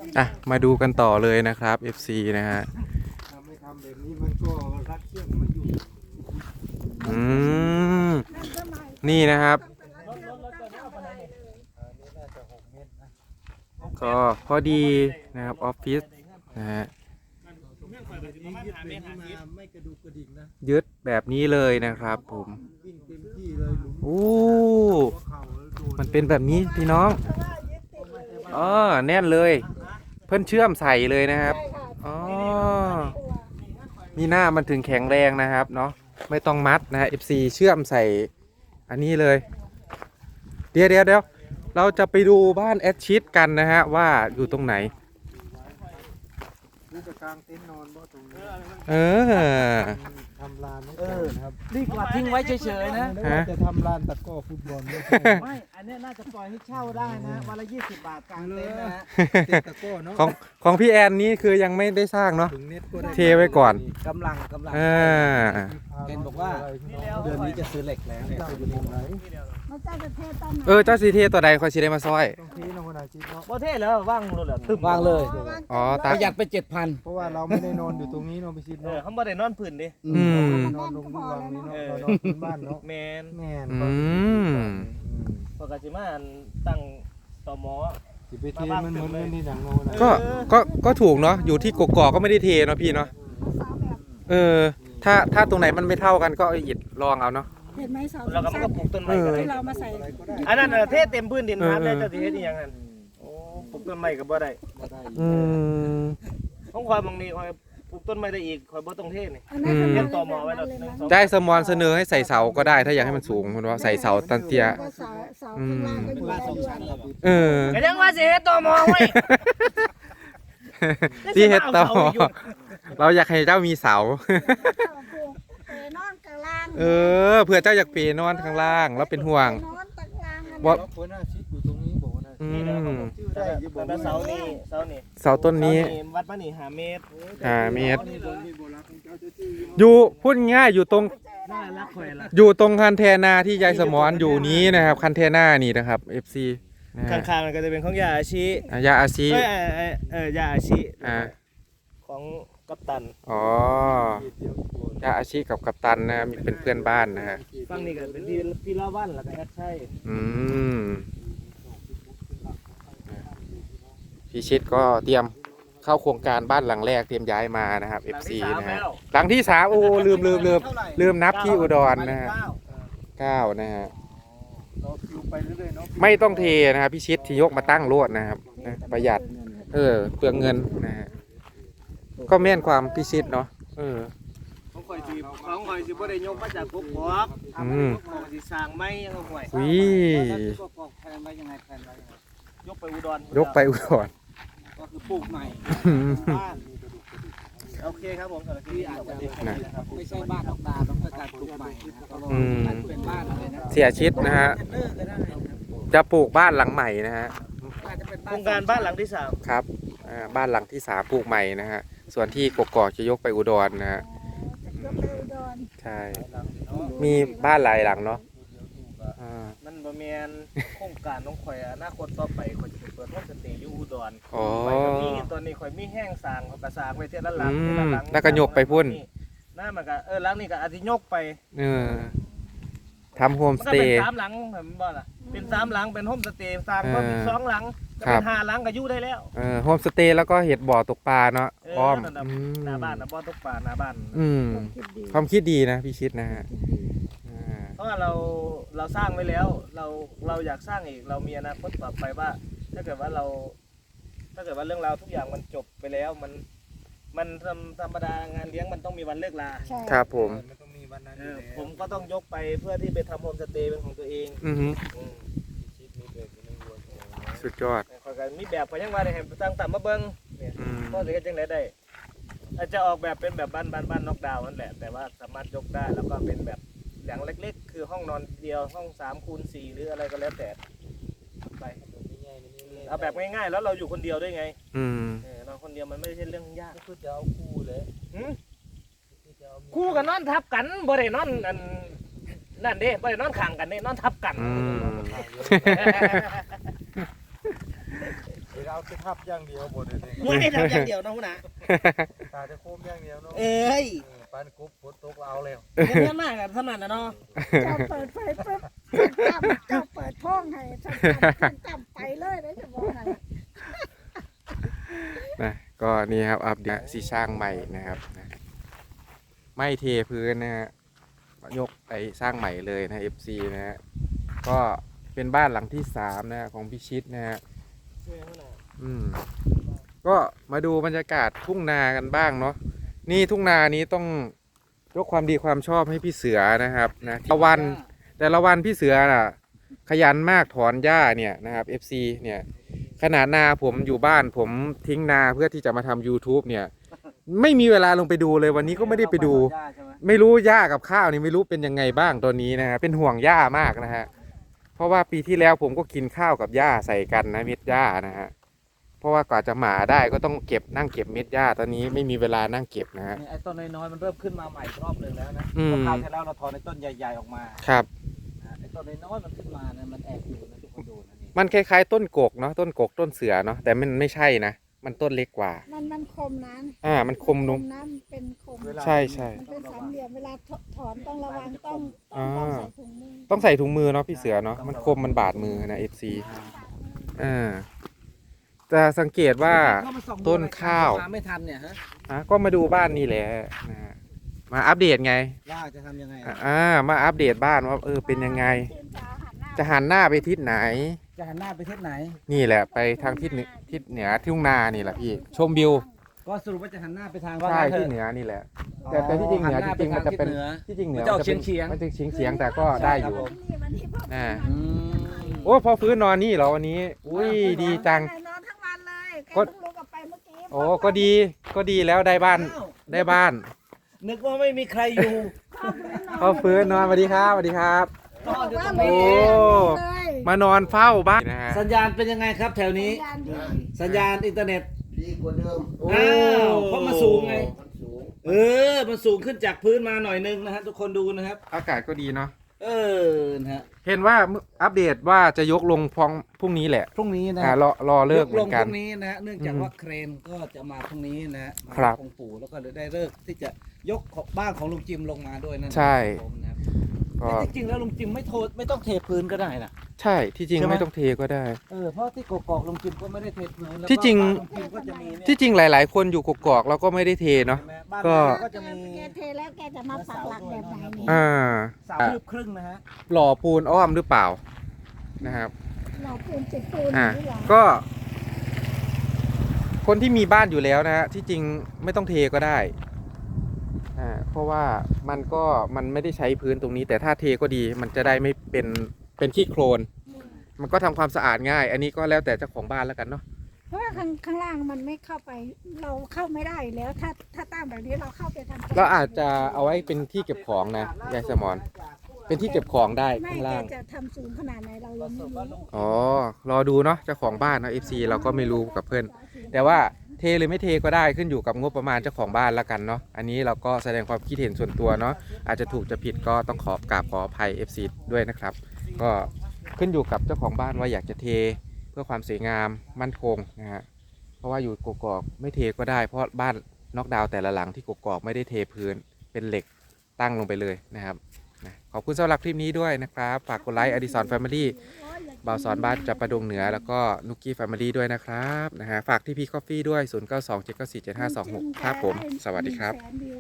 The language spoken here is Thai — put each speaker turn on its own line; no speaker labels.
อ่ะมาดูกันต่อเลยนะครับ FC นะฮะ
ไม่ทำแบบนี้มันก็รัดเชือกไม่อยู่
อืมนี่นะครับก็พอดีนะครับออฟฟิศนะฮะ
ไม่กระดูกกระดิ่งนะ
ยึดแบบนี้เลยนะครับผม
วิ่งเต็มที่เลยหลุม
โอ้
เข่าแล้วโดน
มันเป็นแบบนี้พี่น้องอ๋อแน่นเลย เพิ่นเชื่อมใส่เลยนะครับอ๋อมีหน้ามันถึงแข็งแรงนะครับเนาะไม่ต้องมัดนะฮะ FC เชื่อมใส่อันนี้เลยเดี๋ยวเราจะไปดูบ้านแอดชิดกันนะฮะว่าอยู่ตรงไหน
นี่จะกางเต็นท์นอนบ่ตรงนี้
เออ
ทำลานไม่ก่อนนะครับ
ดีกว่าทิ้งไว้เฉยๆนะ
แล้วว่าจะทำลานตะกร้อฟุตบอลไม่ใช่
ไม่ อันเนี้ยน่าจะปล่อยให้เช่าได้นะวันละ20 บาทกลางเต็นท์นะฮะ
เตะตะกร้อเนาะ
ของพี่แอนนี่คือยังไม่ได้สร้างเนาะ
ถึงเน็ตก็ได้
เทไว้ก่อน
กำลัง
อ่า
เห็นบอกว่าเดือนนี้จะซื้อเหล็กแล้วเนี่ย
จะอยู่ตรงไหน
มาเจ้าจะเทศตอนไหน
เจ้าสีเทตัวใดคอยสีได้มาซอย
ตรงที่นคนอาชีพเนาะ
บ่เท่แล้วว่างรถเหรอตึมวางเลย
อ๋อ
ป
ตา
ระหยัดไป 7,000
เพราะว่าเราไม่ได้นอนอยู่ตรงนี้เนาะพี่ชิด
เออ
เนาะ
เขาบ่ได้นอนพื้นดิ
อืม
นอนตรงนี้วางนี้เนาะเรานอนที่บ้านเนาะ
แมน
แม่น
อืม
ปกติมาอันตั้งต่อหมอ
สิไปเทมันเหมือนไม่ได้ดังโน้นนะ
ก็ถูกเนาะอยู่ที่กกอกก็ไม่ได้เทเนาะพี่เนาะ
เสาแบบ
ถ้าตรงไหนมันไม่เท่ากันก็เอาอิฐรองเอาเนาะ
เห็นไหมเสา
แล้วก็มันก็ปลูกต้นไม้กัน
ที่เรามาใส่
อันนั้นน่ะเทเต็มพื้นดินครับแล้วเจ้าสิเฮ็ดอีหยังหั่นโอ้ปลูกต้นไม้ก็บ่ได้
อืม
ของข่อยบางนี้ข่อยปลูกต้นไม้ได้อีกข่อยบ่ต้องเทนี่
อันนั้น
เรียน
ทำ
ต่อหม
มา
อไว้
เล
แล้ว
ย
หนึ่ง
นะ
สอง
ได้สมอนเสนอให้ใส่เสาก็ได้ถ้าอยากให้มันสูงคุณว่าใส่เสาตันเตีย
ก็เสาข้างล่างก็อยู่ได้ด้วย
เออ
ก็ยังว่าสิเฮ็ดต่อหมอไว้
ที่เฮ็ดต่อเราอยากให้เจ้ามีเสา
เปนอนกลางล่าง
เผื่อเจ้าอยากเปนอนข้างล่างแล้วเป็นห่วง
นอนตะกลาง
ว่า
เราคนอาชีพอยู่ตรงนี้บอกว่า
อื
นี่นะผม
ม
ชื่อได้แต่เสานี่เสานี่
เสาต้นนี้
วัดมานี่5 เมตร
5 เมตร
นี่ตรงนี้โบราณเจ้าจะชื่อ
อยู่พูดง่ายอยู่ตรง
น่ารักข่อยล่ะ
อยู่ตรงคันเทนาที่ยายสมอนอยู่นี้นะครับคันเทนานี่นะครับ FC นะฮะ
ข้างๆมันก็จะเป็นของยาอาชี
ยาอาชี
ยาอาชี
อ่า
ของกัปตัน
อ๋อยาอาชีกับกัปตันนะมีเป็นเพื่อนบ้านนะฮะ
ฝั่งนี้ก็เป็นพี่ละวันแล้วก็แอดใช่
อืมพี่ชิดก็เตรียมเข้าโครงการบ้านหลังแรกเตรียมย้ายมานะครับ FC นะฮะหลังที่3โอ้ลืมนับที่อุดรนะฮะ9นะฮะ
เราอยู่ไปเรื่อยๆเนาะ
ไม่ต้องเทนะครับพี่ชิดที่ยกมาตั้งโลดนะครับนะประหยัดเปลืองเงินนะฮะก็แม่นความพี่ชิดเนาะ
ของข่อยสิบ่ได้ยกมาจากพวกบอก
อืม
ข่อยสิสร้างไม้ยังห่วย
วิ
แพลนไว้ยังไงแพลนไว้ยังไง
ยกไปอุดร
ยกไปอุดร
ก็คือปลูกใหม่บ้าน
โอเคครับผมสำหรับที่
ที่อาจจะไม่ใช่บ้านออกตาต้องเป็นการปลูกใหม่นะเพราะว่ามันเป็นบ้านอะไรนะ
เสียชิดนะฮะ
เลิกก็ได้นะครับ
จะปลูกบ้านหลังใหม่นะฮะ
อาจจะเป็น
โครงการบ้านหลังที่
ครับบ้านหลังที่3ปลูกใหม่นะฮะส่วนที่กกอกจะยกไปอุดรนะฮะ
ยกไปอุดร
ใช่มีบ้านหลายหลังเนาะ
3มันบ่แม่นโครงการของข่อยอนาคตต่อไปข่อยจะไปเปิดโฮมสเตย์อยู่อุดร
อ๋อ
ข่อยก็มีตอนนี้ข่อยมีแห้งสร้างข่อยก็สร้างไว้เทื่อละหลัง
อืม
เทื่อละหลัง
แล้วก็ยกไปพุ่น
หน้ามันก็หลังนี้ก็อาจสิยกไป
ทำโฮม
มัน
ส
ก็
เต
เป็น
ย์
3 หลังเห็นบ่ล่ะเป็น3 หลังเป็นโฮมสเตย์สร้างก็มี
เออ
2 หลังก็
ครั
เป็
บ
น5 หลังก็อยู่ได้แล้ว
โฮมสเตย์แล้วก็เห็ดบ่อตกปลาเนาะอ้อม
นั่นน่ะหน้าบ้านน่ะบ่ตกปลาหน้าบ้าน
คิดดี
ความคิดดีนะพี่ชิดนะฮะอ่า
เพราะว่าเราสร้างไว้แล้ว เราอยากสร้างอีกเรามีอนาคตต่อไปว่า ถ้าเกิดว่าเรื่องราวทุกอย่างมันจบไปแล้วมันธรรมดางานเลี้ยงมันต้องมีวันเลิกลา
ใช่
ครับผม
มันต้องมีวันนั้น
ผมก็ต้องยกไปเพื่อที่ไปทำโฮมสเตย์เป็นของตัวเอง
อือฮึ
อืม
สุดยอด
ข้อยก็มีแบบพยังว่าได้ให้ตั้งตามมาเบิ่งเนี่ย
อืม
ก็สิเฮ็ดจังไดได้อาจจะออกแบบเป็นแบบบ้านน็อกดาวน์นั่นแหละแต่ว่าสามารถยกได้แล้วก็เป็นแบบหลังเล็กๆ คือห้องนอนเดียวห้อง3x4หรืออะไรก็แล้วแต่ไปเอาแบบง่ายๆแล้วเราอยู่คนเดียวด้วยไง
อืม
นอนคนเดียวมันไม่ใช่เรื่องยาก
คือจะเอาคู่เลย
คู่กันนอนทับกันบ่ได้นอนอันนั่นเด้บ่ได้นอนข้างกันเด้นอนทับกัน
อืม
เอาเอาไปทับอย่างเดียวหมดเลยนี่
ไม่ทำอย่างเดียวนะคุณนะ
ตาจะโค้งอย่างเดียวเนาะ
เอ้ย
ปานกุ๊บฝนตกเอาแล้ว
เงี้ยมากกันขนาดนั้นเนาะ
เจ้าเปิดไฟปุ๊บเจ้าเปิดท้องให้ฉันจำไปเลยนะจะบอกให้
นะก็นี่ครับอัปเดตสีสร้างใหม่นะครับนะไม่เทพื้นนะฮะยกไปสร้างใหม่เลยนะ FC นะฮะก็เป็นบ้านหลังที่3นะของพิชิตนะฮะก็มาดูบรรยากาศทุ่งนากันบ้างเนาะนี่ทุ่งนานี้ต้องยกความดีความชอบให้พี่เสือนะครับนะแต่ละวันพี่เสือน่ะขยันมากถอนหญ้าเนี่ยนะครับ FC เนี่ยขนาดนาผมอยู่บ้านผมทิ้งนาเพื่อที่จะมาทำ YouTube เนี่ยไม่มีเวลาลงไปดูเลยวันนี้ก็ไม่ได้ไปดู ไม่รู้หญ้ากับข้าวนี่ไม่รู้เป็นยังไงบ้างตอนนี้นะฮะเป็นห่วงหญ้ามากนะฮะเพราะว่าปีที่แล้วผมก็กินข้าวกับหญ้าใส่กันนะเม็ดหญ้านะฮะเพราะว่ากว่าจะหมาได้ก็ต้องนั่งเก็บเม็ดหญ้าตอนนี้ไม่มีเวลานั่งเก็บนะฮะ
ไอ้ต้นน้อยๆมันเริ่มขึ้นมาใหม่รอบหนึ่งแล้วนะ
อืม
คราวที่แล้วเราถอนไอ้ต้นใหญ่ๆออกมา
ครับ
ไอ้ต้นน้อยๆมันขึ้นมานะมันแอบอยู่นะทุกคนดูนะนี่
มันคล้ายๆต้นกกเนาะต้นกกต้นเสือเนาะแต่มันไม่ใช่นะมันต้นเล็กกว่า
มันคมนะ
มันคมนุ่ม
น้ำเป็นคม
ใช่ใช่
มันเป็นสามเหลี่ยมเวลาถอนต้องระวังต้องใส่ถุงมือ
ต้องใส่ถุงมือเนาะพี่เสือเนาะมันคมมันบาดมือนะ FC จะสังเกตว่า
เข้มส่องดู
ต้นข้าว
มาไม่ทันเนี่ยฮะ
ก็มาดูบ้านนี่แหละนะฮะมาอัปเดตไง
ว่าจะทำยังไง
มาอัปเดตบ้านว่าเป็นยังไง จะหันหน้าไปทิศไหน
จะหันหน้าไปทิศไหน
นี่แหละไปทางทิศเหนือทุ่งนานี่แหละพี่ชมวิว
ก็สรุปว่าจะหันหน้าไปทาง
ใช่
ว่างั้นเถ
ที่
อะ
เหนือนี่แหละ แต่ที่จริงเหนือจริงๆมันจะเป็นที่จริงเหนือ
มันจะออกเฉียงๆ
มันจะเฉียงแต่ก็ได้อยู่
วันนี้พ่อ
อ่า
อืม
โอ้พอฟื้นนอนนี่เหรอวันนี้ อุ้ยดีจัง
นอนทั้งวันเลยแก
ก็
เพิ่งลุกออกไปเมื่อกี้
โอ้ก็ดีแล้วได้บ้าน
นึกว่าไม่มีใครอยู่
พอฟื้นนอนสวัสดีครับสวัสดีครับ
นอนอยู่ตรง
โอ้
นี้
มานอนเฝ้าบ้านนะฮะ
สัญญาณเป็นยังไงครับแถวนี้
สัญญาณดี
สัญญาณอินเทอร์เน็ต
ดีกว่าเดิม
โอ้
อ้าวเพราะมันสูงไง
มันสูง
มันสูงขึ้นจากพื้นมาหน่อยนึงนะฮะทุกคนดูนะครับ
อากาศก็ดีเนาะ
นะฮะ
เห็นว่าอัปเดตว่าจะยกลงพรุ่งนี้แหละ
พรุ่งนี้นะ
รอเลิกเหมื
ล
อง นกัน
พรุ่งนี้นะฮะเนื่องจากว่าเครนก็จะมาพรุ่งนี้นะฮะมา
ครับ
องค์ปู่แล้วก็ได้เลิกที่จะยกของบ้านของลุงจิมลงมาด้วยนั่น
ใช่
ครับผมนะครับ
ก็
แต่จริงๆแล้วลุงจิมไม่ต้องเทพื้นก็ได้นะ
ใช่ที่จริง
ใช่ไหม
ไม่ต้องเทก็ได้
เพราะที่กอกๆลุงจิมก็ไม่ได้เทพื้นแล้วก็
ที่จริง
บ้านลุงจิมก็จะมีเนี่ย
ที่จริงหลาย ๆ คนอยู่กกอกแล้วก็ไม่ได้เทเนาะ
ใช่ไหมบ้าน
ก็
เราก็จะมี
แกเทแล้วแกจะมาปักหลักแบบไหนนี่
เสาคืบครึ่งนะฮะ
หล่อปูนอ้อมหรือเปล่านะครับ
เราปูนจิตปูน
อ่า
นี่หรอ
ก็ คนที่มีบ้านอยู่แล้วนะฮะที่จริงไม่ต้องเทก็ได้เพราะว่ามันไม่ได้ใช้พื้นตรงนี้ แต่ถ้าเทก็ดีมันจะได้ไม่เป็นขี้โคลน มันก็ทำความสะอาดง่าย อันนี้ก็แล้วแต่เจ้าของบ้านแล้วกันเนาะ
เพราะว่าข้างล่างมันไม่เข้าไป เราเข้าไม่ได้อยู่แล้วถ้าตั้งแบบนี้เราเข้าไปทำ
เราอาจจะเอาไว้เป็นที่เก็บของนะยายสมอนเป็นที่เก็บของได้
ไม่
ข้าง
แก
ล่าง
จะทำสูงขนาดไหนเรายังไม่รู้
อ๋อรอดูเนาะเจ้าของบ้านเนาะ FC เราก็ไม่รู้กับเพื่อนแต่ว่าเทหรือไม่เทก็ได้ขึ้นอยู่กับงบประมาณเจ้าของบ้านแล้วกันเนาะอันนี้เราก็แสดงความคิดเห็นส่วนตัวเนาะอาจจะถูกจะผิดก็ต้องขออภัย FC ด้วยนะครับ ก็ขึ้นอยู่กับเจ้าของบ้านว่าอยากจะเทเพื่อความสวยงามมั่นคงนะฮะเพราะว่าอยู่กกอกไม่เทก็ได้เพราะบ้านน็อกดาวน์แต่ละหลังที่กกอกไม่ได้เทพื้นเป็นเหล็กตั้งลงไปเลยนะครับขอบคุณสำหรับคลิปนี้ด้วยนะครับฝากกดไลค์อดิสรแฟมิลี่บ่าวสอนบ้านจับประดงเหนือแล้วก็นุกกี้แฟมิลี่ด้วยนะครับฝากที่พีคอฟฟี่ด้วย 0927947526 ครับผมสวัสดีครับ